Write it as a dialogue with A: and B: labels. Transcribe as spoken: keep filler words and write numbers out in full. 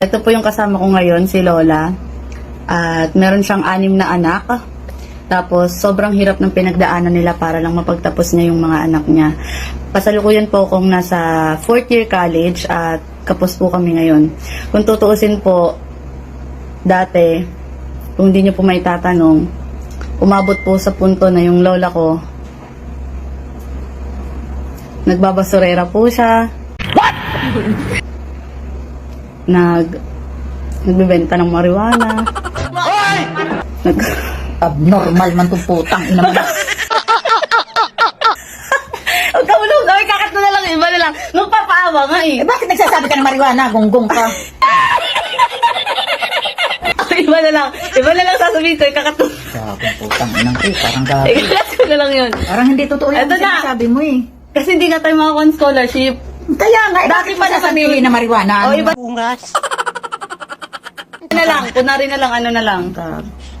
A: Ito po yung kasama ko ngayon, si Lola. At meron siyang anim na anak. Tapos, sobrang hirap ng pinagdaanan nila para lang mapagtapos niya yung mga anak niya. Pasalukuyan po akong nasa fourth year college at kapos po kami ngayon. Kung tutuusin po, dati, kung hindi niyo po may tatanong, umabot po sa punto na yung lola ko, nagbabasurera po siya. What? Nag, nagbibenta ng marijuana. Nag,
B: Abnormal man itong putang ina mo.
A: Huwag ka ulog, ay kakat mo na lang, iba na lang. Magpapaawa nga eh.
B: Eh bakit nagsasabi ka ng marijuana? Gonggong ka.
A: Iba na lang, iba na lang sasabihin ko, kakat mo.
B: Sabong putang ina ko eh. Parang gabi.
A: Ikalat ko na lang yun.
B: Parang hindi totoo yung
A: Eto na.
B: sinasabi mo eh.
A: Kasi hindi nga tayo makakuha scholarship.
B: Kaya nga, eh,
A: Dati
B: bakit
A: pa
B: pa sasabihin na marijuana?
A: O iba
C: Bungas.
A: na lang, kunwari na lang, ano na lang.
B: Ka-